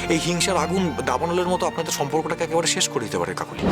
এই হিংসার আগুন দাবানলের মতো আপনাদের সম্পর্কটাকে একেবারে শেষ করে দিতে পারে কাকুলি।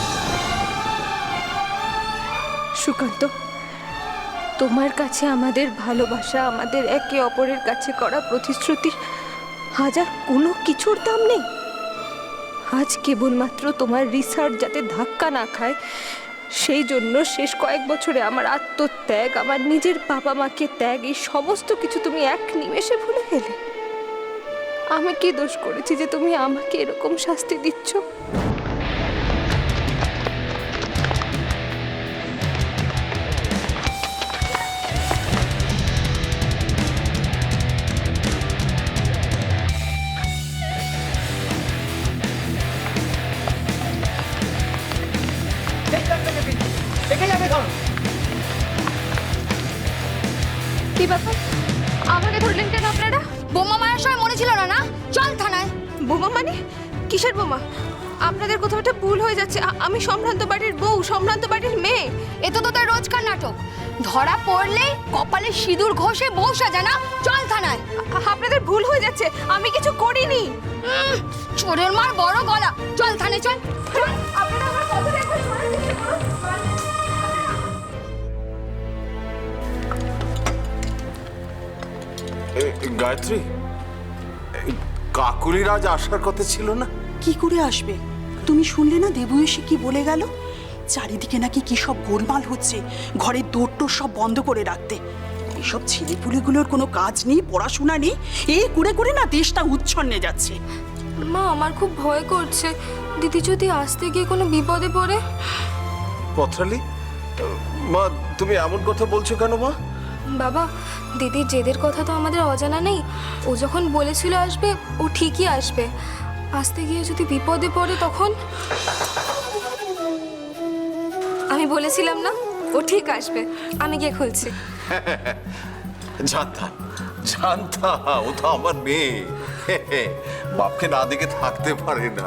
সুকান্ত, তোমার কাছে আমাদের ভালোবাসা, আমাদের একে অপরের কাছে করা প্রতিশ্রুতির হাজার কোনো কিছুর দাম নেই। আজ কেবলমাত্র তোমার রিসার্চ যাতে ধাক্কা না খায় সেই জন্য শেষ কয়েক বছরে আমার আত্মত্যাগ, আমার নিজের বাবা মাকে ত্যাগ, এই সমস্ত কিছু তুমি এক নিমেষে ভুলে গেলে। আমি কি দোষ করেছি যে তুমি আমাকে এরকম শাস্তি দিচ্ছ? কি ব্যাপার, আমাকে ধরলেন কেন আপনারা? বোমা মারার সময় মনে ছিল না? না, চল থানায়। বোমা মানে? কিসের বোমা? আপনাদের কোথাও একটা ভুল হয়ে যাচ্ছে। আমি সম্ভ্রান্ত বাড়ির বউ, সম্ভ্রান্ত বাড়ির মেয়ে। এ তো তোদের রোজকার নাটক। ধরা পড়লে কপালে সিঁদুর ঘষে বউ সাজা না, চল থানায়। আপনাদের ভুল হয়ে যাচ্ছে, আমি কিছু করিনি। চোরের মার বড় গলা, চল থানায় চল। আপনারা আমার কথা একবার শোনার চেষ্টা করুন। গায়ত্রী, কাকুলির আজ আসার কথা ছিল না? কি করে আসবে? তুমি শুনলে না দেবু এসে কি বলে গেল? চারিদিকে নাকি কি সব গোলমাল হচ্ছে, ঘরের দৌড় সব বন্ধ করে রাখতে। এসব ছেলেপুলেগুলোর কোনো কাজ নেই, পড়াশোনা নেই, এ করে করে না দেশটা উচ্ছন্নে যাচ্ছে। মা, আমার খুব ভয় করছে। দিদি যদি আসতে গিয়ে কোনো বিপদে পড়ে। পথরালি, মা তুমি এমন কথা বলছো কেন মা? বাবা, দিদির জেদের কথা তো আমাদের অজানা নেই। ও যখন বলেছিল আসবে, ও ঠিকই আসবে। আসতে গিয়ে যদি বিপদে পড়ে তখন? আমি বলেছিলাম না, ও ঠিক আসবে। আমি গিয়ে খুলছি। জানতাম জানতাম, ও তো আমার মেয়ে, বাপকে না দেখে থাকতে পারে না।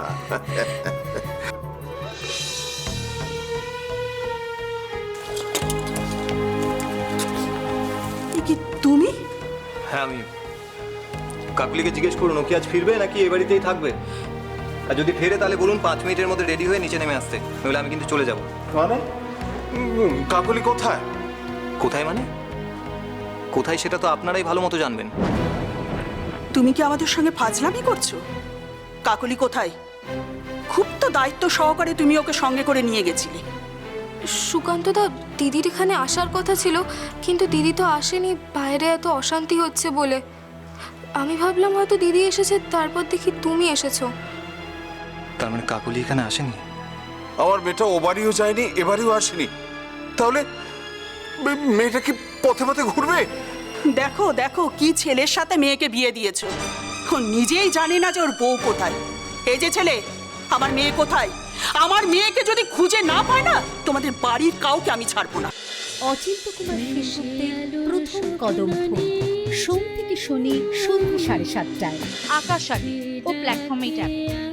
এ কি তুমি? হ্যাঁ আমি। কাকুলিকে জিজ্ঞেস করুন ও কি আজ ফিরবে নাকি এ বাড়িতেই থাকবে। আর যদি ফেরে তাহলে বলুন 5 মিনিটের মধ্যে রেডি হয়ে নিচে নেমে আসতে, নইলে আমি কিন্তু চলে যাব। মানে কাকুলি কোথায়? কোথায় মানে? কোথায় সেটা তো আপনারাই ভালো মতো জানবেন। তুমি কি আমাদের সঙ্গে ফাজলামি করছো? কাকলি কোথায়? খুব তো দায়িত্ব সহকারে তুমি ওকে সঙ্গে করে নিয়ে গেছিলে। সুকান্ত দা, দিদির এখানে আসার কথা ছিল, কিন্তু দিদি তো আসেনি, বাইরে এত অশান্তি হচ্ছে বলে। আমি ভাবলাম হয়তো দিদি এসেছে, তারপর দেখি তুমি এসেছো। তার মানে কাকুলি এখানে আসেনি? আমার মেয়েটা ও বাড়িও যায়নি, এবারেও আসেনি। তাহলে মেয়েটা কি পথে পথে ঘুরবে? দেখো দেখো কি ছেলের সাথে মেয়েকে বিয়ে দিয়েছো। ও নিজেই জানে না যে ওর বউ কোথায়। এই যে ছেলে, আমার মেয়ে কোথায়? আমার মেয়েকে যদি খুঁজে না পায় না, তোমাদের বাড়ির কাউকে আমি ছাড়বো না। অচিন্ত কুমার সেনগুপ্তের প্রথম কদম ফুল, সোম থেকে শনি সন্ধ্যে 7:30টায় আকাশবাণী ও প্ল্যাটফর্মে ট্যাপ।